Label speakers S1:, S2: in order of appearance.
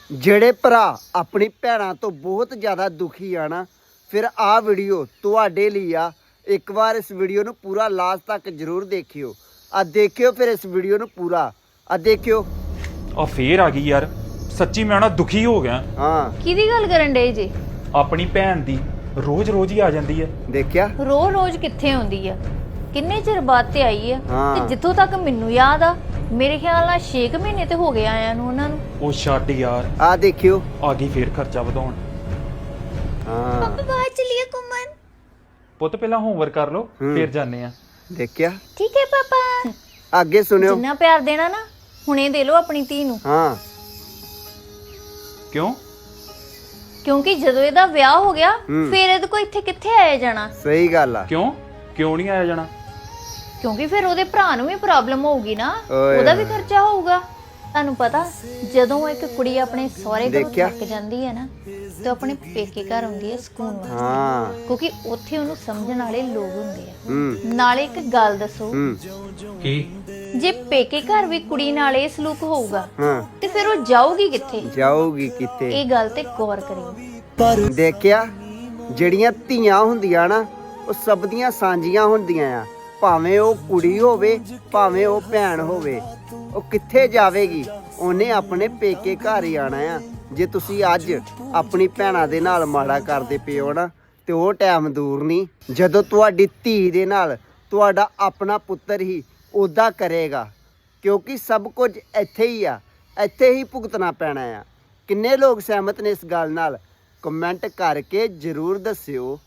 S1: ਜਿਹੜੇ ਭਰਾ ਆਪਣੀ ਭੈਣਾਂ ਤੋਂ ਬਹੁਤ ਜ਼ਿਆਦਾ ਦੁਖੀ ਆ ਨਾ, ਫਿਰ ਆਹ ਵੀਡੀਓ ਤੁਹਾਡੇ ਲਈ ਆ। ਇੱਕ ਵਾਰ ਇਸ ਵੀਡੀਓ ਨੂੰ ਪੂਰਾ ਲਾਸਟ ਤੱਕ ਜ਼ਰੂਰ ਦੇਖਿਓ। ਆ ਦੇਖਿਓ ਫਿਰ ਇਸ ਵੀਡੀਓ ਨੂੰ ਪੂਰਾ। ਆ ਦੇਖਿਓ।
S2: ਆ ਫੇਰ ਆ ਗਈ ਯਾਰ, ਸੱਚੀ ਮੈਂ ਨਾ ਦੁਖੀ ਹੋ ਗਿਆ।
S1: ਹਾਂ
S3: ਕਿਹਦੀ ਗੱਲ ਕਰਨ ਡੇ ਜੀ?
S2: ਆਪਣੀ ਭੈਣ ਦੀ ਰੋਜ਼ ਹੀ ਆ ਜਾਂਦੀ ਹੈ।
S1: ਦੇਖਿਆ?
S3: ਰੋਜ਼ ਕਿੱਥੇ ਆਉਂਦੀ ਆ? ਕਿੰਨੇ ਚਿਰ ਬਾਅਦ ਤੇ ਆਈ ਆ।
S1: ਹਾਂ।
S3: ਤੇ ਜਿੱਥੋਂ ਤੱਕ ਮੈਨੂੰ ਯਾਦ ਆ, ਮੇਰੇ ਖਿਆਲ ਨਾਲ 6 ਮਹੀਨੇ ਤੇ ਹੋ ਗਏ ਆਇਆਂ ਨੂੰ ਉਹਨਾਂ ਨੂੰ।
S2: ਉਹ ਛੱਡ ਯਾਰ,
S1: ਆ ਦੇਖਿਓ।
S2: ਆ ਗਈ ਫੇਰ ਖਰਚਾ ਵਧਾਉਣ।
S1: ਹਾਂ
S3: ਬਾਹਰ ਚਲੀਏ ਘੁੰਮਣ।
S2: ਪੁੱਤ ਪਹਿਲਾਂ ਹੋਮਵਰਕ ਕਰ ਲਓ, ਫੇਰ ਜਾਂਦੇ ਆ।
S1: ਦੇਖਿਆ?
S3: ਠੀਕ ਹੈ ਪਾਪਾ।
S1: ਅੱਗੇ ਸੁਣਿਓ।
S3: ਜਿੰਨਾ ਪਿਆਰ ਦੇਣਾ ਨਾ, ਹੁਣੇ ਦੇ ਲਓ ਆਪਣੀ ਧੀ ਨੂੰ।
S1: ਹਾਂ
S2: ਕਿਉਂ?
S3: ਕਿਉਂਕਿ ਜਦੋਂ ਇਹਦਾ ਵਿਆਹ ਹੋ ਗਿਆ, ਫੇਰ ਇਹਦੇ ਕੋ ਇੱਥੇ ਕਿੱਥੇ ਆਇਆ ਜਾਣਾ।
S1: ਸਹੀ ਗੱਲ ਆ।
S2: ਕਿਉਂ ਨਹੀਂ ਆਇਆ ਜਾਣਾ?
S3: ਕਿਉਂਕਿ ਫਿਰ ਉਹਦੇ ਭਰਾ ਨੂੰ ਵੀ ਪ੍ਰੋਬਲਮ ਹੋਊਗੀ ਨਾ,
S1: ਓਏ
S3: ਉਹਦਾ ਵੀ ਖਰਚਾ ਹੋਊਗਾ। ਤੁਹਾਨੂੰ ਪਤਾ, ਜਦੋਂ ਇੱਕ ਕੁੜੀ ਆਪਣੇ ਸਹੁਰੇ ਘਰੋਂ
S1: ਦੇਖਿਆ?
S3: ਥੱਕ ਜਾਂਦੀ ਹੈ ਨਾ, ਤੇ ਆਪਣੇ ਪੇਕੇ ਘਰ ਆਉਂਦੀ ਹੈ ਸਕੂਨ ਵਾਸਤੇ।
S1: ਹਾਂ
S3: ਕਿਉਂਕਿ ਉੱਥੇ ਉਹਨੂੰ ਸਮਝਣ ਵਾਲੇ ਲੋਕ ਹੁੰਦੇ ਆ।
S1: ਹੂੰ
S3: ਨਾਲੇ ਇੱਕ ਗੱਲ ਦੱਸੋ,
S2: ਕੀ?
S3: ਜੇ ਪੇਕੇ ਘਰ ਵੀ ਕੁੜੀ ਨਾਲ ਇਹ ਸਲੂਕ ਹੋਊਗਾ,
S1: ਹਾਂ
S3: ਤੇ ਫਿਰ ਉਹ ਜਾਊਗੀ ਕਿੱਥੇ?
S1: ਜਾਊਗੀ ਕਿਤੇ?
S3: ਇਹ ਗੱਲ ਤੇ ਗੌਰ ਕਰਿਓ।
S1: ਦੇਖਿਆ? ਜਿਹੜੀਆਂ ਧੀਆਂ ਹੁੰਦੀਆਂ ਨਾ, ਉਹ ਸਭ ਦੀਆਂ ਸਾਂਝੀਆਂ ਹੁੰਦੀਆਂ ਆ। ਭਾਵੇਂ ਉਹ ਕੁੜੀ ਹੋਵੇ, ਭਾਵੇਂ ਉਹ ਭੈਣ ਹੋਵੇ, ਉਹ ਕਿੱਥੇ ਜਾਵੇਗੀ? ਉਹਨੇ ਆਪਣੇ ਪੇਕੇ ਘਰ ਹੀ ਆਣਾ ਆ। ਜੇ ਤੁਸੀਂ ਅੱਜ ਆਪਣੀ ਭੈਣਾਂ ਦੇ ਨਾਲ ਮਾੜਾ ਕਰਦੇ ਪਏ ਹੋ ਨਾ, ਤੇ ਉਹ ਟਾਈਮ ਦੂਰ ਨਹੀਂ ਜਦੋਂ ਤੁਹਾਡੀ ਧੀ ਦੇ ਨਾਲ ਤੁਹਾਡਾ ਆਪਣਾ ਪੁੱਤਰ ਹੀ ਉੱਦਾਂ ਕਰੇਗਾ। ਕਿਉਂਕਿ ਸਭ ਕੁਝ ਇੱਥੇ ਹੀ ਆ, ਇੱਥੇ ਹੀ ਭੁਗਤਣਾ ਪੈਣਾ ਆ। ਕਿੰਨੇ ਲੋਕ ਸਹਿਮਤ ਨੇ ਇਸ ਗੱਲ ਨਾਲ? ਕਮੈਂਟ ਕਰਕੇ ਜ਼ਰੂਰ ਦੱਸਿਓ।